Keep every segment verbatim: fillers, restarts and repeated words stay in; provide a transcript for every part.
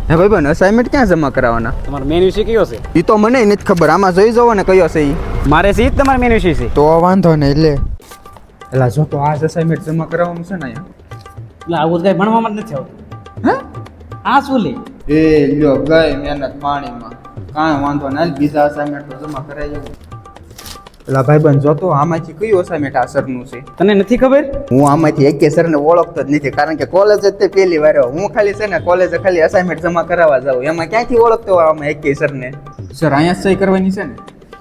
હે ભાઈ બન અસાઇનમેન્ટ ક્યાં જમા કરાવવાના? તમારો મેન વિષય કયો છે? એ તો મને નથી ખબર, આમાં જોઈ જોવો ને કયો છે ઈ. મારે છે ઈ જ તમારો મેન વિષય છે. તો વાંધો નહીં લે. એલા જો તો આ અસાઇનમેન્ટ જમા કરાવવાનું છે ને અહીંયા. એટલે આવું કઈ ભણવામાં જ નથી આવતું. હે? આ શું લે? એ લ્યો ગઈ મહેનત પાણીમાં. કાંઈ વાંધો નહીં, બીજા અસાઇનમેન્ટ તો જમા કરાવી આવું. એલા ભાઈ બન જો તો આમાંથી કયું અસાઇનમેન્ટ આ સરનું છે? તને નથી ખબર? હું આમાંથી એકે સરને ઓળખતો જ નથી, કારણ કે કોલેજ જ તે પહેલી વાર આવ્યો. હું ખાલી છે ને કોલેજે ખાલી અસાઇનમેન્ટ જમા કરાવવા જાઉં, એમાં ક્યાંથી ઓળખતો હોય આમાં એકે સરને? સર અહીંયા સહી કરવાની છે ને?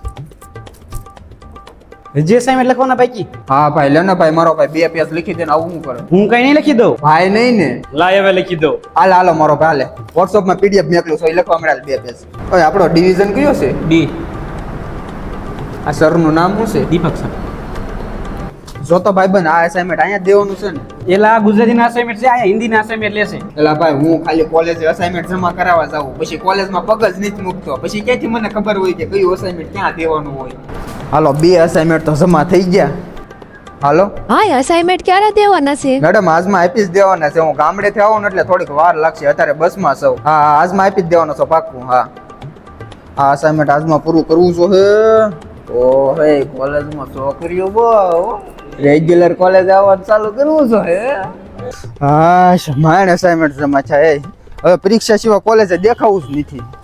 જે અસાઇનમેન્ટ લખવાના પૈકી? હા ભાઈ લે ને ભાઈ, મારો ભાઈ બે પેજ લખી દે ને આવું હું કરું? હું કઈ નહીં લખી દઉં. ભાઈ નહીં ને? લાય હવે લખી દઉં. હાલ હાલો મારો ભાઈ હાલે, વોટ્સઅપમાં પીડીએફ મોકલું છું, એ લખવા મળ્યા બે પેજ. ઓય આપણો ડિવિઝન કયો છે? ડી. આ સરનું નામ શું છે? દીપક સર. જો તો ભાઈ બન આ અસાઇનમેન્ટ અહીંયા જ દેવાનું છે ને? એલા ગુજરાતીના અસાઇનમેન્ટ છે, અહીંયા હિન્દીના અસાઇનમેન્ટ લેશે. એલા ભાઈ હું ખાલી કોલેજે અસાઇનમેન્ટ જમા કરાવવા જાઉં, પછી કોલેજમાં પગ જ નથી મૂકતો, પછી ક્યાંથી મને ખબર હોય કે કયું અસાઇનમેન્ટ ક્યાં દેવાનું હોય? હાલો બે અસાઇનમેન્ટ તો જમા થઈ ગયા. હાલો હા અસાઇનમેન્ટ ક્યારે દેવાના છે? મેડમ આજમાં આપી જ દેવાના છે. હું ગામડેથી આવું ને એટલે થોડીક વાર લાગશે, અત્યારે બસમાં સૌ. હા હા, આજમાં આપી જ દેવાનો છો પાક્કું. હા આ અસાઇનમેન્ટ આજમાં પૂરું કરવું છો હે. ઓ હે કોલેજમાં છોકરીઓ બહુ રેગ્યુલર કોલેજ આવવાનું ચાલુ કરવું છો હે. હા માણ અસાઇનમેન્ટ જમા છે. હવે પરીક્ષા સિવાય કોલેજે દેખાવું જ નથી.